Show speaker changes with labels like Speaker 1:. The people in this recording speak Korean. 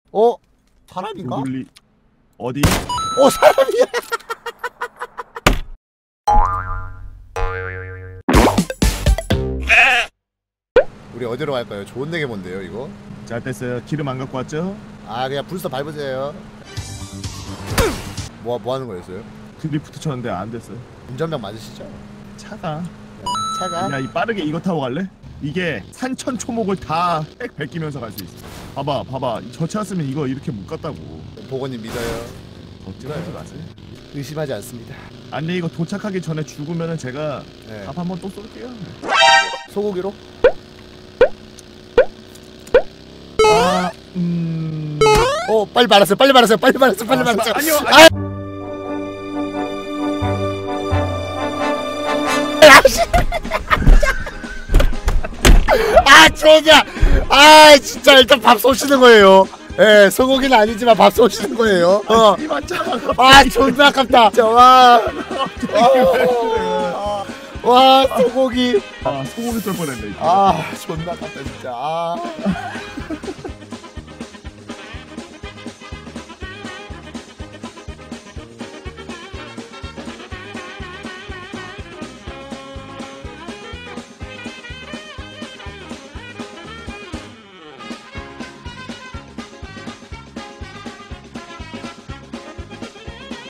Speaker 1: 어? 사람인가?
Speaker 2: 고블리 어디?
Speaker 1: 사람이야. 우리 어디로 갈까요? 좋은 데게 뭔데요 이거?
Speaker 2: 잘 됐어요. 기름 안 갖고 왔죠?
Speaker 1: 아 그냥 불스터 밟으세요. 뭐 하는 거였어요?
Speaker 2: 드리프트 쳤는데 안 됐어요.
Speaker 1: 운전병 맞으시죠?
Speaker 2: 차가.
Speaker 1: 차가?
Speaker 2: 야, 이 빠르게 이거 타고 갈래? 이게 산천 초목을 다 빽 베끼면서 갈 수 있어. 봐봐. 저 차였으면 이거 이렇게 못 갔다고.
Speaker 1: 보건님 믿어요.
Speaker 2: 걱정하지 마세요.
Speaker 1: 의심하지 않습니다.
Speaker 2: 아니 이거 도착하기 전에 죽으면은 제가
Speaker 1: 네.
Speaker 2: 밥 한번 또 쏠게요.
Speaker 1: 소고기로? 빨리 말았어요.
Speaker 2: 아니요.
Speaker 1: 진짜. 진짜 일단 밥 쏘시는 거예요. 예, 소고기는 아니지만 밥 쏘시는 거예요. 존나 아깝다. 진짜 와 소고기.
Speaker 2: 소고기 쏠 뻔했네.
Speaker 1: 존나 아깝다 진짜.